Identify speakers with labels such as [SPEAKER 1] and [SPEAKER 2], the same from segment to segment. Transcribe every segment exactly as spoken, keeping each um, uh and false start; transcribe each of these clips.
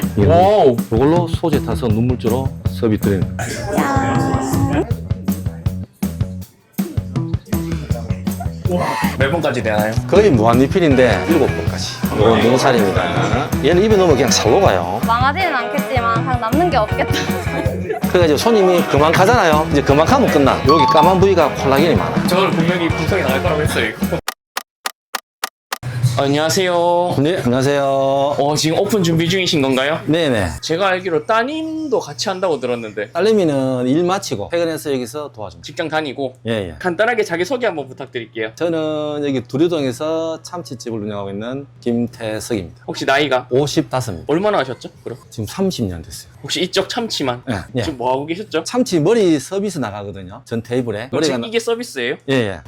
[SPEAKER 1] 와우. 이걸로 소재 타서 눈물주로 서비스 드리는 거예요.
[SPEAKER 2] 몇 번까지 되나요?
[SPEAKER 1] 거의 무한 리필인데 일곱 번까지. 이건 눈살입니다. 얘는 입에 넣으면 그냥 살로 가요.
[SPEAKER 3] 망하지는 않겠지만 그냥 남는 게 없겠다.
[SPEAKER 1] 그래가지고 손님이 그만 가잖아요. 이제 그만 가면 끝나. 여기 까만 부위가 콜라겐이 많아.
[SPEAKER 2] 저는 분명히 방송에 나갈 거라고 했어요, 이거. 안녕하세요.
[SPEAKER 1] 네, 안녕하세요.
[SPEAKER 2] 어, 지금 오픈 준비 중이신 건가요?
[SPEAKER 1] 네네.
[SPEAKER 2] 제가 알기로 따님도 같이 한다고 들었는데
[SPEAKER 1] 딸내미는 일 마치고 퇴근해서 여기서 도와줍니다.
[SPEAKER 2] 직장 다니고
[SPEAKER 1] 예, 예.
[SPEAKER 2] 간단하게 자기소개 한번 부탁드릴게요.
[SPEAKER 1] 저는 여기 두류동에서 참치집을 운영하고 있는 김태석입니다.
[SPEAKER 2] 혹시 나이가
[SPEAKER 1] 오십오입니다.
[SPEAKER 2] 얼마나 하셨죠? 그럼
[SPEAKER 1] 지금 삼십 년 됐어요.
[SPEAKER 2] 혹시 이쪽 참치만
[SPEAKER 1] 예, 예.
[SPEAKER 2] 지금 뭐 하고 계셨죠?
[SPEAKER 1] 참치 머리 서비스 나가거든요. 전 테이블에.
[SPEAKER 2] 그럼 지금
[SPEAKER 1] 나-
[SPEAKER 2] 이게 서비스예요?
[SPEAKER 1] 예, 예.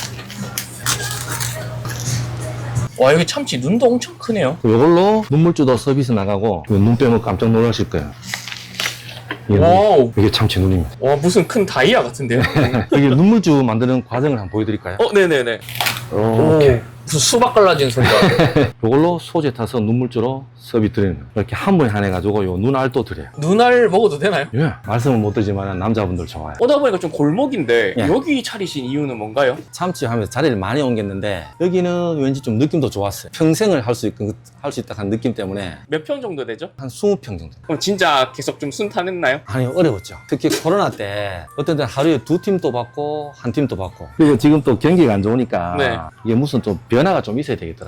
[SPEAKER 2] 와, 여기 참치 눈도 엄청 크네요.
[SPEAKER 1] 이걸로 눈물주도 서비스 나가고 눈 빼면 깜짝 놀라실 거예요. 이게,
[SPEAKER 2] 와우.
[SPEAKER 1] 이게 참치 눈입니다.
[SPEAKER 2] 와, 무슨 큰 다이아 같은데요?
[SPEAKER 1] 여기 눈물주 만드는 과정을 한번 보여드릴까요?
[SPEAKER 2] 어, 네네네.
[SPEAKER 1] 이렇게.
[SPEAKER 2] 무슨 수박 갈라진 소리가.
[SPEAKER 1] 이걸로 소재 타서 눈물주로 서비스 드리는 거예요. 이렇게 한 번에 한 해가지고 요 눈알도 드려요.
[SPEAKER 2] 눈알 먹어도 되나요?
[SPEAKER 1] 예. 말씀은 못 드리지만 남자분들 좋아요.
[SPEAKER 2] 오다 보니까 좀 골목인데
[SPEAKER 1] 예.
[SPEAKER 2] 여기 차리신 이유는 뭔가요?
[SPEAKER 1] 참치 하면서 자리를 많이 옮겼는데 여기는 왠지 좀 느낌도 좋았어요. 평생을 할 수 있고 할 수 있다 한 느낌 때문에
[SPEAKER 2] 몇 평 정도 되죠?
[SPEAKER 1] 한 이십 평 정도.
[SPEAKER 2] 그럼 진짜 계속 좀 순탄했나요?
[SPEAKER 1] 아니 어려웠죠. 특히 코로나 때 어떤 때는 하루에 두 팀도 받고 한 팀도 받고. 그리고 지금 또 경기가 안 좋으니까
[SPEAKER 2] 네.
[SPEAKER 1] 이게 무슨 좀 변화가 좀 있어야 되겠더라고요.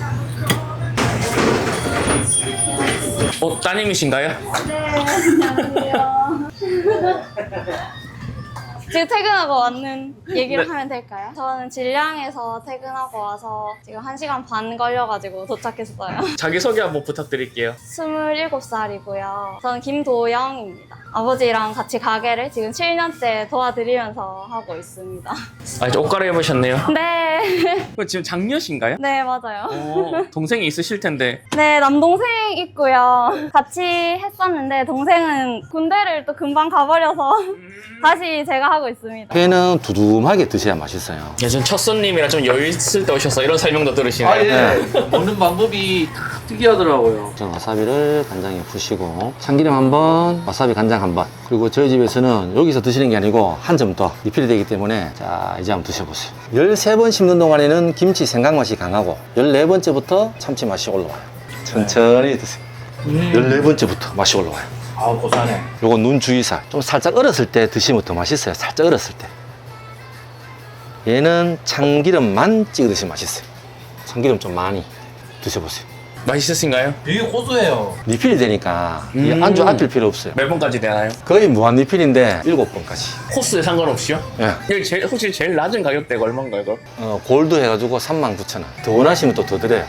[SPEAKER 2] 어, 따님이신가요?
[SPEAKER 3] 지금 퇴근하고 왔는 얘기를
[SPEAKER 2] 네.
[SPEAKER 3] 하면 될까요? 저는 질량에서 퇴근하고 와서 지금 한 시간 반 걸려가지고 도착했어요.
[SPEAKER 2] 자기소개 한번 부탁드릴게요.
[SPEAKER 3] 스물일곱 살이고요. 저는 김도영입니다. 아버지랑 같이 가게를 지금 칠 년째 도와드리면서 하고 있습니다.
[SPEAKER 2] 아, 이제 옷 갈아입으셨네요.
[SPEAKER 3] 네.
[SPEAKER 2] 그럼 지금 장녀신가요?
[SPEAKER 3] 네, 맞아요.
[SPEAKER 2] 어, 동생이 있으실 텐데.
[SPEAKER 3] 네, 남동생 있고요. 같이 했었는데 동생은 군대를 또 금방 가버려서 다시 제가 하고 있습니다.
[SPEAKER 1] 회는 두툼하게 드셔야 맛있어요.
[SPEAKER 2] 예전 첫 손님이라 좀 여유 있을 때 오셔서 이런 설명도 들으시네요.
[SPEAKER 4] 아, 예. 먹는 방법이 특이하더라고요.
[SPEAKER 1] 전 와사비를 간장에 푸시고 참기름 한 번, 와사비 간장 한 번. 그리고 저희 집에서는 여기서 드시는 게 아니고 한 점 더 리필이 되기 때문에 자 이제 한번 드셔보세요. 열세 번 씹는 동안에는 김치 생강 맛이 강하고 열네 번째부터 참치 맛이 올라와요. 천천히 드세요. 열네 번째부터 맛이 올라와요.
[SPEAKER 4] 아, 고사네.
[SPEAKER 1] 요거 눈 주의살. 좀 살짝 얼었을 때 드시면 더 맛있어요. 살짝 얼었을 때. 얘는 참기름만 찍어 드시면 맛있어요. 참기름 좀 많이 드셔보세요.
[SPEAKER 2] 맛있으신가요?
[SPEAKER 4] 되게 고소해요.
[SPEAKER 1] 리필이 되니까 이
[SPEAKER 2] 음.
[SPEAKER 1] 안주 아낄 필요 없어요.
[SPEAKER 2] 몇 번까지 되나요?
[SPEAKER 1] 거의 무한 리필인데 일곱 번까지.
[SPEAKER 2] 코스에 상관없이요?
[SPEAKER 1] 예.
[SPEAKER 2] 여기 제일, 혹시 제일 낮은 가격대가 얼마인가요, 그럼?
[SPEAKER 1] 어, 골드 해가지고 삼만 구천 원. 더 원하시면 또 더 드려요.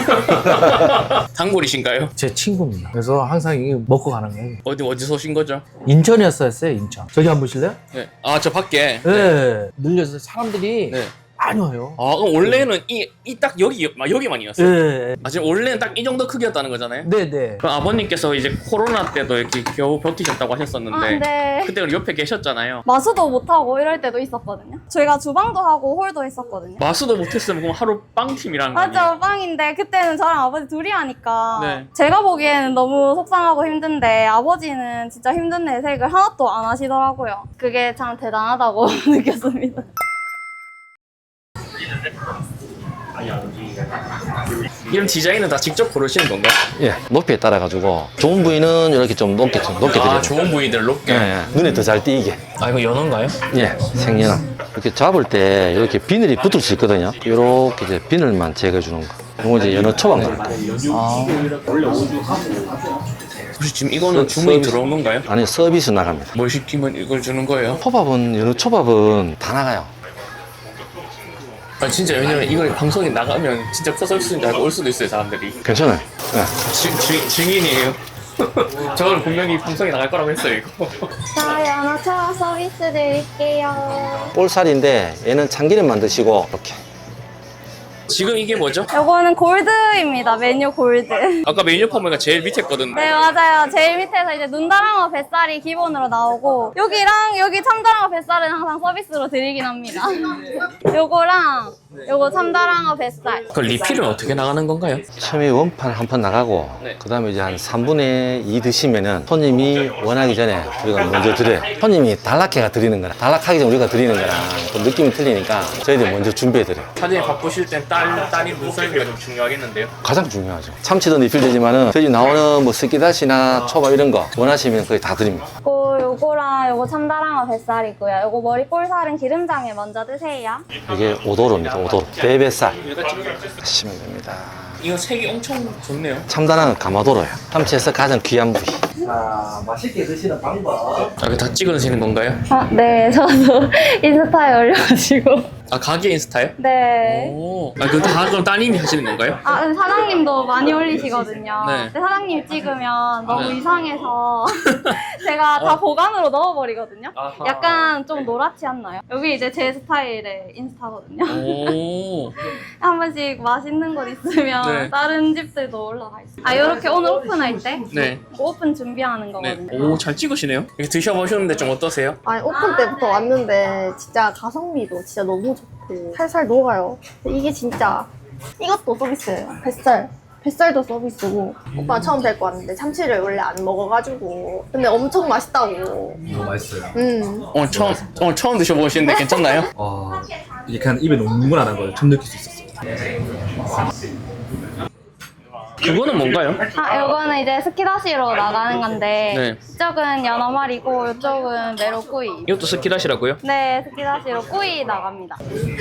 [SPEAKER 2] 단골이신가요?
[SPEAKER 4] 제 친구입니다. 그래서 항상 이거 먹고 가는 거예요.
[SPEAKER 2] 어디, 어디서 오신 거죠?
[SPEAKER 4] 인천이었어요, 인천. 저기 한번 보실래요?
[SPEAKER 2] 네. 아, 저 밖에.
[SPEAKER 4] 네. 늘려서 사람들이
[SPEAKER 2] 네.
[SPEAKER 4] 많이 와요.
[SPEAKER 2] 아, 그럼 원래는 이, 이 딱 여기, 막 여기만이었어요?
[SPEAKER 4] 네.
[SPEAKER 2] 아, 지금 원래는 딱 이 정도 크기였다는 거잖아요?
[SPEAKER 4] 네네.
[SPEAKER 2] 그럼 아버님께서 이제 코로나 때도 이렇게 겨우 버티셨다고 하셨었는데.
[SPEAKER 3] 아, 네.
[SPEAKER 2] 그때 우리 옆에 계셨잖아요.
[SPEAKER 3] 마수도 못하고 이럴 때도 있었거든요. 저희가 주방도 하고 홀도 했었거든요.
[SPEAKER 2] 마수도 못했으면 그럼 하루 빵팀이라는 거 아니에요?
[SPEAKER 3] 맞죠, 빵인데 그때는 저랑 아버지 둘이 하니까
[SPEAKER 2] 네.
[SPEAKER 3] 제가 보기에는 너무 속상하고 힘든데 아버지는 진짜 힘든 내색을 하나도 안 하시더라고요. 그게 참 대단하다고 느꼈습니다.
[SPEAKER 2] 이런 디자인은 다 직접 고르시는 건가요?
[SPEAKER 1] 예. 높이에 따라가지고 좋은 부위는 이렇게 좀 높게, 좀 높게 드려요.
[SPEAKER 2] 아, 좋은 부위들 높게.
[SPEAKER 1] 예, 예. 눈에 더 잘 띄게.
[SPEAKER 2] 아, 이거 연어인가요?
[SPEAKER 1] 예. 생연함. 이렇게 잡을 때 이렇게 비늘이 붙을 수 있거든요. 이렇게 이제 비늘만 제거해 주는 거. 이거 이제 연어 초밥 나올 거예요.
[SPEAKER 2] 아. 혹시 지금 이거는 주문이
[SPEAKER 1] 서비스.
[SPEAKER 2] 들어온 건가요?
[SPEAKER 1] 아니, 서비스 나갑니다.
[SPEAKER 2] 뭘 시키면 이걸 주는 거예요?
[SPEAKER 1] 초밥은, 연어 초밥은 다 나가요.
[SPEAKER 2] 아, 진짜 왜냐면 이걸 방송에 나가면 진짜 커서비스인 줄 알고 올 수도 있어요, 사람들이.
[SPEAKER 1] 괜찮아요. 예.
[SPEAKER 2] 지, 지, 증인이에요. 저는 분명히 방송에 나갈 거라고 했어요, 이거.
[SPEAKER 3] 자, 연어차 서비스 드릴게요.
[SPEAKER 1] 볼살인데 얘는 참기름만 드시고 이렇게.
[SPEAKER 2] 지금 이게 뭐죠?
[SPEAKER 3] 요거는 골드입니다. 메뉴 골드.
[SPEAKER 2] 아까 메뉴판 보니까 제일 밑에 거든.
[SPEAKER 3] 네, 맞아요. 제일 밑에서 이제 눈다랑어 뱃살이 기본으로 나오고 여기랑 여기 참다랑어 뱃살은 항상 서비스로 드리긴 합니다. 요거랑 요거 참다랑어 뱃살.
[SPEAKER 2] 그 리필은 어떻게 나가는 건가요?
[SPEAKER 1] 처음에 원판 한 판 나가고
[SPEAKER 2] 네.
[SPEAKER 1] 그 다음에 이제 한 삼분의 이 드시면은 손님이 원하기 전에 우리가 먼저 드려요. 손님이 단락해가 드리는 거랑 단락하기 전에 우리가 드리는 거랑 좀 느낌이 틀리니까 저희들이 먼저 준비해 드려요.
[SPEAKER 2] 사장님 바쁘실 땐 딸, 딸이 눈썰미가 좀 중요하겠는데요?
[SPEAKER 1] 가장 중요하죠. 참치도 리필되지만은 저희 나오는 뭐 스키다시나 초밥 이런 거 원하시면 거의 다 드립니다.
[SPEAKER 3] 요거, 요거랑 요거 참다랑어 뱃살이고요. 요거 머리 볼살은 기름장에 먼저 드세요.
[SPEAKER 1] 이게 오도로입니다. 오도로. 배뱃살 하시면 됩니다.
[SPEAKER 2] 이거 색이 엄청 좋네요.
[SPEAKER 1] 참다랑은 가마도로예요. 참치에서 가장 귀한 부위.
[SPEAKER 4] 자, 맛있게 드시는 방법.
[SPEAKER 2] 아, 이거 다 찍어 드시는 건가요?
[SPEAKER 3] 아, 네. 저도 인스타에 올려가지고.
[SPEAKER 2] 아, 가게 인스타요?
[SPEAKER 3] 네.
[SPEAKER 2] 오. 아, 그거 다 그럼 따님이 하시는 건가요?
[SPEAKER 3] 아, 근데 사장님도 많이 올리시거든요.
[SPEAKER 2] 네.
[SPEAKER 3] 근데 사장님 찍으면 너무
[SPEAKER 2] 네.
[SPEAKER 3] 이상해서 제가 다 보관으로 넣어버리거든요.
[SPEAKER 2] 아하.
[SPEAKER 3] 약간 좀 노랗지 않나요? 여기 이제 제 스타일의 인스타거든요.
[SPEAKER 2] 오.
[SPEAKER 3] 한 번씩 맛있는 곳 있으면
[SPEAKER 2] 네.
[SPEAKER 3] 다른 집들도 올라가 있어요. 아, 이렇게 오늘 오픈할 때
[SPEAKER 2] 네.
[SPEAKER 3] 오픈 준비하는
[SPEAKER 2] 네.
[SPEAKER 3] 거거든요.
[SPEAKER 2] 오, 잘 찍으시네요. 이렇게 드셔보셨는데 좀 어떠세요?
[SPEAKER 5] 아니 오픈 때부터 왔는데 진짜 가성비도 진짜 너무 좋고 살살 녹아요. 이게 진짜 이것도 서비스예요. 뱃살. 뱃살도 서비스고 오빠 처음 뵙고 왔는데 참치를 원래 안 먹어가지고 근데 엄청 맛있다고.
[SPEAKER 6] 너무 맛있어요.
[SPEAKER 5] 음.
[SPEAKER 2] 오늘 처음, 오늘 처음 드셔보시는데 괜찮나요?
[SPEAKER 6] 와, 이게 그냥 입에 눈물 안 한 걸 처음 느낄 수 있었어요.
[SPEAKER 2] 그거는 뭔가요?
[SPEAKER 3] 아, 요거는 이제 스키다시로 나가는 건데
[SPEAKER 2] 네.
[SPEAKER 3] 이쪽은 연어말이고 이쪽은 메로꾸이.
[SPEAKER 2] 이것도 스키다시라고요?
[SPEAKER 3] 네, 스키다시로 꾸이 나갑니다.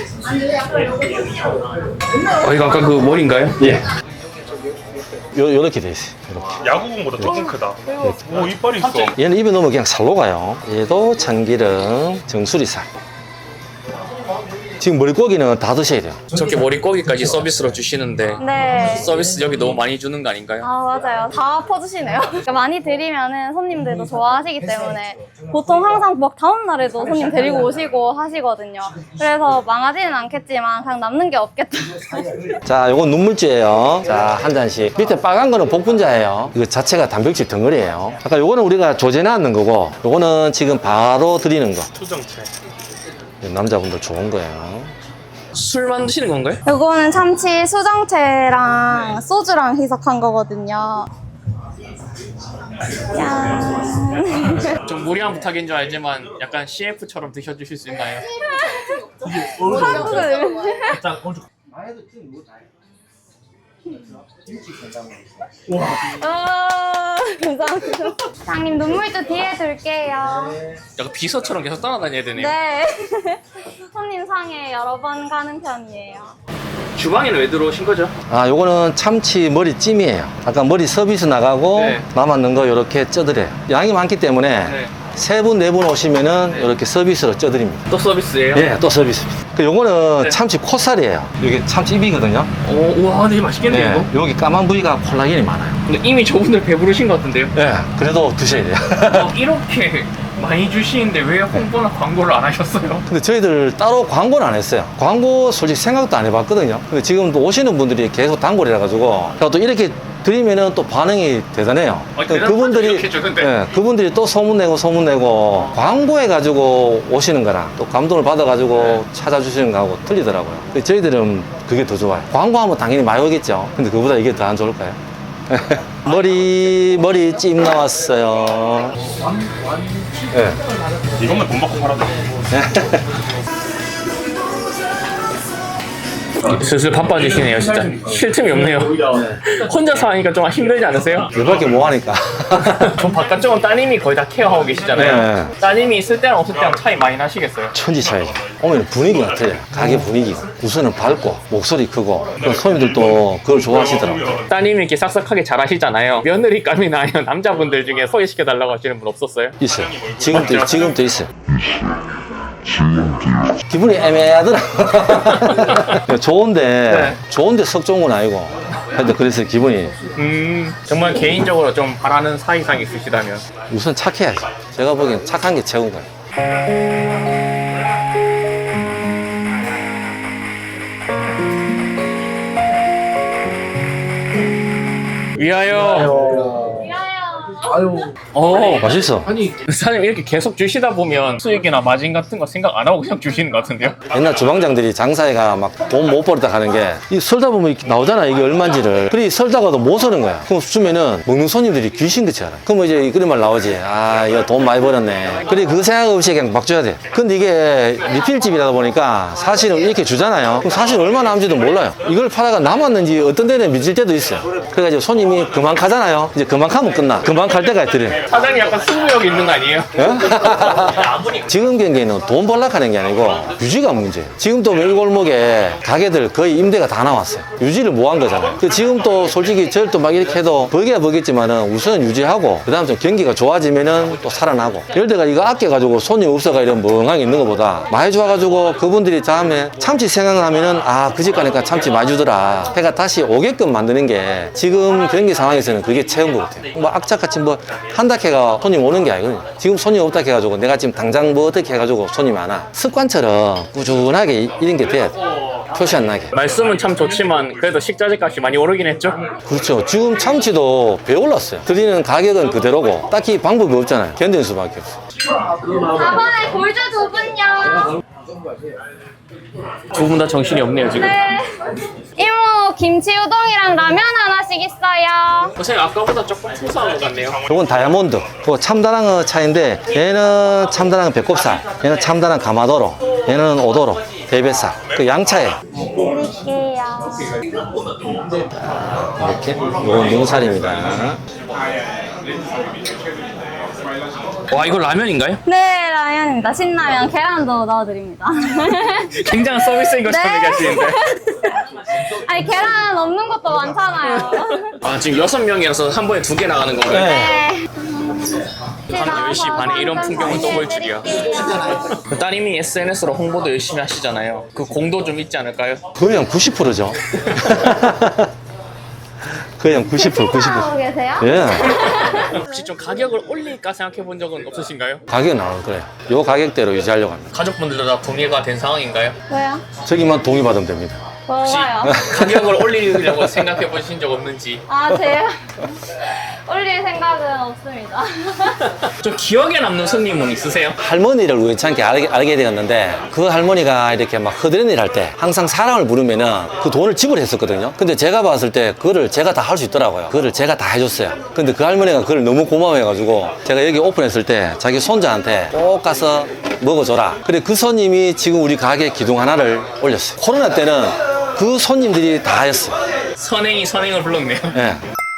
[SPEAKER 2] 어, 이거 아까 그 머리인가요?
[SPEAKER 1] 예. 요, 요렇게 돼 있어요. 요렇게.
[SPEAKER 7] 야구공보다 조금 크다. 오, 이빨이 있어.
[SPEAKER 1] 얘는 입에 넣으면 그냥 살로 가요. 얘도 참기름, 정수리살. 지금 머리고기는 다 드셔야 돼요.
[SPEAKER 2] 저렇게 머리고기까지 서비스로 주시는데
[SPEAKER 3] 네.
[SPEAKER 2] 서비스 여기 너무 많이 주는 거 아닌가요?
[SPEAKER 3] 아, 맞아요. 다 퍼주시네요. 그러니까 많이 드리면은 손님들도 좋아하시기 때문에 보통 항상 막 다음날에도 손님 데리고 오시고 하시거든요. 그래서 망하지는 않겠지만 그냥 남는 게 없겠다.
[SPEAKER 1] 자, 요건 눈물주예요. 자, 한 잔씩. 밑에 빨간 거는 복분자예요. 이거 자체가 단백질 덩어리예요. 아까 요거는 우리가 조제해 놨는 거고, 요거는 지금 바로 드리는 거.
[SPEAKER 7] 수정체.
[SPEAKER 1] 남자분들 좋은 거예요.
[SPEAKER 2] 술 만드시는 건가요?
[SPEAKER 3] 요거는 참치 수정채랑 소주랑 희석한 거거든요. 짠.
[SPEAKER 2] 좀 무리한 부탁인 줄 알지만 약간 씨에프처럼 드셔주실 수 있나요?
[SPEAKER 3] 한국을. 아, 감사합니다. 사장님 눈물도 뒤에 둘게요.
[SPEAKER 2] 약간 비서처럼 계속 따라다녀야 되네요.
[SPEAKER 3] 네. 손님 상에 여러 번 가는 편이에요.
[SPEAKER 2] 주방에는 왜 들어오신 거죠?
[SPEAKER 1] 아, 요거는 참치 머리찜이에요. 아까 머리 서비스 나가고
[SPEAKER 2] 네.
[SPEAKER 1] 남았는 거 이렇게 쪄드려요. 양이 많기 때문에
[SPEAKER 2] 네.
[SPEAKER 1] 세 분, 네 분 오시면은 이렇게 서비스로 쪄드립니다.
[SPEAKER 2] 또 서비스예요?
[SPEAKER 1] 예, 또 서비스입니다. 그 요거는
[SPEAKER 2] 네.
[SPEAKER 1] 참치 콧살이에요. 이게 참치 입이거든요.
[SPEAKER 2] 오, 우와, 되게 맛있겠네요,
[SPEAKER 1] 예,
[SPEAKER 2] 이거.
[SPEAKER 1] 여기 까만 부위가 콜라겐이 많아요.
[SPEAKER 2] 근데 이미 저분들 배부르신 것 같은데요?
[SPEAKER 1] 예, 그래도 드셔야 돼요.
[SPEAKER 2] 어, 이렇게 많이 주시는데 왜 홍보나 광고를 안 하셨어요?
[SPEAKER 1] 근데 저희들 따로 광고는 안 했어요. 광고 솔직히 생각도 안 해봤거든요. 근데 지금 또 오시는 분들이 계속 단골이라 가지고 또 이렇게 드리면은 또 반응이 대단해요.
[SPEAKER 2] 아,
[SPEAKER 1] 그러니까
[SPEAKER 2] 대단하죠,
[SPEAKER 1] 그분들이
[SPEAKER 2] 이렇게 주는데.
[SPEAKER 1] 예, 그분들이 또 소문내고 소문내고 광고해 가지고 오시는 거랑 또 감동을 받아 가지고 찾아주시는 거하고 틀리더라고요. 근데 저희들은 그게 더 좋아요. 광고하면 당연히 많이 오겠죠. 근데 그보다 이게 더 안 좋을까요? 머리 머리 찜 나왔어요. 예.
[SPEAKER 7] 이것만 돈 받고 팔아도
[SPEAKER 2] 슬슬 바빠지시네요, 진짜. 쉴 틈이 없네요. 혼자서 하니까 좀 힘들지 않으세요?
[SPEAKER 1] 이밖에 뭐 하니까.
[SPEAKER 2] 전 바깥쪽은 따님이 거의 다 케어하고 계시잖아요.
[SPEAKER 1] 네.
[SPEAKER 2] 따님이 있을 때랑 없을 때랑 차이 많이 나시겠어요?
[SPEAKER 1] 천지 차이죠. 오면 분위기가 틀려요. 가게 분위기가. 우선은 밝고, 목소리 크고, 또 손님들도 그걸 좋아하시더라고요.
[SPEAKER 2] 따님이 이렇게 싹싹하게 잘하시잖아요. 며느리감이나 아니면 남자분들 중에 소개시켜달라고 하시는 분 없었어요?
[SPEAKER 1] 있어요. 지금도, 지금도 있어요. 기분이 애매하더라고요. 좋은데,
[SPEAKER 2] 네.
[SPEAKER 1] 좋은데 썩 좋은 건 아니고. 하여튼 그래서 기분이
[SPEAKER 2] 음, 정말 개인적으로 좀 바라는 사이상 있으시다면.
[SPEAKER 1] 우선 착해야죠. 제가 보기엔 착한 게 최고인 거예요.
[SPEAKER 2] 위하여.
[SPEAKER 3] 미안해요.
[SPEAKER 2] 어.
[SPEAKER 1] 맛있어.
[SPEAKER 2] 아니 사장님 이렇게 계속 주시다 보면 수익이나 마진 같은 거 생각 안 하고 그냥 주시는 것 같은데요?
[SPEAKER 1] 옛날 주방장들이 장사해가 막 돈 못 벌었다 하는 게 이 설다 보면 이렇게 나오잖아 이게 얼마인지를. 그래 설다가도 못 서는 거야. 그럼 주면은 먹는 손님들이 귀신같이 알아. 그럼 이제 그런 말 나오지. 아 이거 돈 많이 벌었네. 그래 그 생각 없이 그냥 막 줘야 돼. 근데 이게 리필집이라다 보니까 사실은 이렇게 주잖아요. 그럼 사실 얼마 남지도 몰라요. 이걸 팔아가 남았는지 어떤 데는 미칠 때도 있어요. 그래가지고 손님이 그만 가잖아요. 이제 그만 가면 끝나. 그만 갈 때가 있더래.
[SPEAKER 2] 사장님 약간 승부욕 있는 거 아니에요?
[SPEAKER 1] 지금 경기에는 돈 벌락 하는 게 아니고 유지가 문제예요. 지금 또 이 골목에 가게들 거의 임대가 다 나왔어요. 유지를 못 한 거잖아요. 그 지금 또 솔직히 저를 또 막 이렇게 해도 버기야 버겠지만은 우선 유지하고 그 다음 좀 경기가 좋아지면은 또 살아나고. 예를 들어 이거 아껴가지고 손님 없어가 이런 멍하게 있는 것보다 많이 좋아가지고 그분들이 다음에 참치 생각나면은 아 그 집 가니까 참치 많이 주더라 해가 다시 오게끔 만드는 게 지금 경기 상황에서는 그게 최고인 것 같아요. 뭐 악착같이 뭐 한다 해가 손님 오는 게 아니거든요. 지금 손님 없다 해가지고 내가 지금 당장 뭐 어떻게 해가지고 손님이 안 와. 습관처럼 꾸준하게 이런 게 돼야 돼. 표시 안 나게.
[SPEAKER 2] 말씀은 참 좋지만 그래도 식자재 값이 많이 오르긴 했죠?
[SPEAKER 1] 그렇죠. 지금 참치도 배 올랐어요. 드리는 가격은 그대로고 딱히 방법이 없잖아요. 견디는 수밖에 없어.
[SPEAKER 3] 사 번에 골드 두 분요.
[SPEAKER 2] 두 분 다 정신이 없네요 지금.
[SPEAKER 3] 네. 이모 김치 우동이랑 라면 하나씩 있어요.
[SPEAKER 2] 선생님 아까보다 조금 풍성한 것 같네요.
[SPEAKER 1] 이건 다이아몬드. 그거 참다랑어 차인데 얘는 참다랑어 배꼽살, 얘는 참다랑 가마도로, 얘는 오도로, 대뱃살. 그 양차예요.
[SPEAKER 3] 드릴게요.
[SPEAKER 1] 이렇게. 이건 능살입니다.
[SPEAKER 2] 와 이거 라면인가요?
[SPEAKER 3] 네, 라면입니다. 신라면 계란도 넣어드립니다.
[SPEAKER 2] 굉장한 서비스인 것처럼
[SPEAKER 3] 네.
[SPEAKER 2] 얘기하시는데.
[SPEAKER 3] 아니 계란 없는 것도 많잖아요.
[SPEAKER 2] 아 지금 여섯 명이라서 한 번에 두 개 나가는 건가요?
[SPEAKER 3] 네.
[SPEAKER 2] 밤 열 시 반에 이런 풍경을 또 볼 줄이야.
[SPEAKER 3] 해드릴게요.
[SPEAKER 2] 그 따님이 에스엔에스로 홍보도 열심히 하시잖아요. 그 공도 좀 있지 않을까요?
[SPEAKER 1] 거의 한 구십 퍼센트죠. 거의 한 구십 퍼센트, 구십 퍼센트.
[SPEAKER 3] 하고 계세요?
[SPEAKER 1] 예.
[SPEAKER 2] 혹시 좀 가격을 올릴까 생각해 본 적은 없으신가요?
[SPEAKER 1] 가격 나올 거예요. 요 가격대로 유지하려고 합니다.
[SPEAKER 2] 가족분들도 다 동의가 된 상황인가요?
[SPEAKER 3] 왜요?
[SPEAKER 1] 저기만 동의받으면 됩니다.
[SPEAKER 2] 혹시
[SPEAKER 3] 좋아요.
[SPEAKER 2] 가격을 올리려고 생각해 보신 적 없는지.
[SPEAKER 3] 아, 제가 올릴 생각은 없습니다.
[SPEAKER 2] 좀 기억에 남는 손님은 있으세요?
[SPEAKER 1] 할머니를 우연찮게 알게, 알게 되었는데 그 할머니가 이렇게 막 허드렛 일 할 때 항상 사람을 부르면은 그 돈을 지불했었거든요. 근데 제가 봤을 때 그거를 제가 다 할 수 있더라고요. 그거를 제가 다 해줬어요. 근데 그 할머니가 그걸 너무 고마워해가지고 제가 여기 오픈했을 때 자기 손자한테 꼭 가서 먹어줘라. 그래 그 손님이 지금 우리 가게 기둥 하나를 올렸어요. 코로나 때는 그 손님들이 다 했어요.
[SPEAKER 2] 선행이 선행을 불렀네요.
[SPEAKER 1] 예.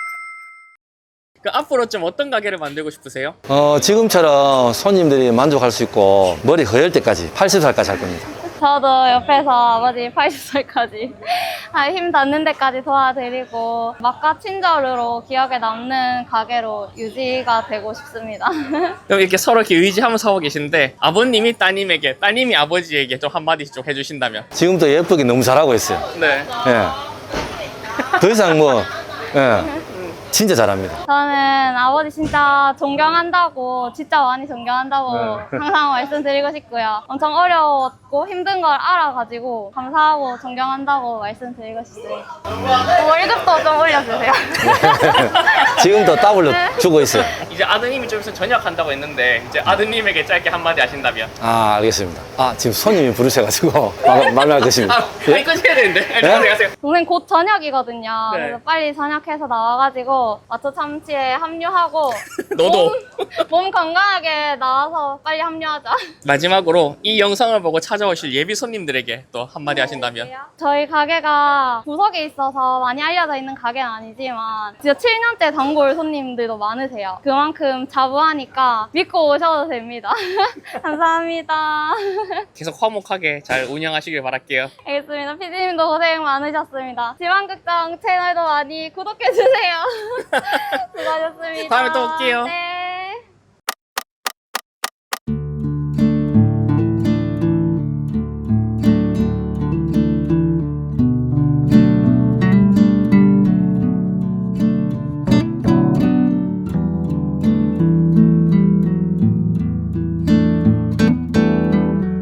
[SPEAKER 2] 그 앞으로 좀 어떤 가게를 만들고 싶으세요?
[SPEAKER 1] 어, 지금처럼 손님들이 만족할 수 있고 머리 허열 때까지 팔십 살까지 할 겁니다.
[SPEAKER 3] 저도 옆에서 아버지 팔십 살까지 힘 닿는 데까지 도와드리고 맛과 친절으로 기억에 남는 가게로 유지가 되고 싶습니다.
[SPEAKER 2] 그럼 이렇게 서로 이렇게 의지하면서 하고 계신데 아버님이 따님에게, 따님이 아버지에게 좀 한마디씩 좀 해주신다면?
[SPEAKER 1] 지금도 예쁘게 너무 잘하고 있어요.
[SPEAKER 2] 네.
[SPEAKER 1] 예. 더 이상 뭐, 예. 진짜 잘합니다.
[SPEAKER 3] 저는 아버지 진짜 존경한다고, 진짜 많이 존경한다고 항상 말씀드리고 싶고요. 엄청 어려웠고 힘든 걸 알아가지고 감사하고 존경한다고 말씀드리고 싶습니다. 월급도 좀 올려주세요.
[SPEAKER 1] 지금도 더블로 주고 있어요.
[SPEAKER 2] 이제 아드님이 좀 있으면 전역한다고 했는데 이제 아드님에게 짧게 한마디 하신다면?
[SPEAKER 1] 아, 알겠습니다. 아, 지금 손님이 부르셔가지고 말- 말할 것입니다.
[SPEAKER 2] 아, 아니 끊어야 되는데.
[SPEAKER 1] 예?
[SPEAKER 2] 가세요, 가세요.
[SPEAKER 3] 동생 곧 저녁이거든요.
[SPEAKER 2] 네.
[SPEAKER 3] 그래서 빨리 저녁해서 나와가지고 마초 참치에 합류하고
[SPEAKER 2] 너도.
[SPEAKER 3] 몸, 몸 건강하게 나와서 빨리 합류하자.
[SPEAKER 2] 마지막으로 이 영상을 보고 찾아오실 예비 손님들에게 또 한마디 하신다면?
[SPEAKER 3] 저희 가게가 구석에 있어서 많이 알려져 있는 가게는 아니지만 진짜 칠 년째 단골 손님들도 많으세요. 그만큼 자부하니까 믿고 오셔도 됩니다. 감사합니다.
[SPEAKER 2] 계속 화목하게 잘 운영하시길 바랄게요.
[SPEAKER 3] 알겠습니다. 피디님도 고생 많으셨습니다. 지방극장 채널도 많이 구독해주세요. 수고하셨습니다.
[SPEAKER 2] 다음에 또 올게요.
[SPEAKER 3] 네.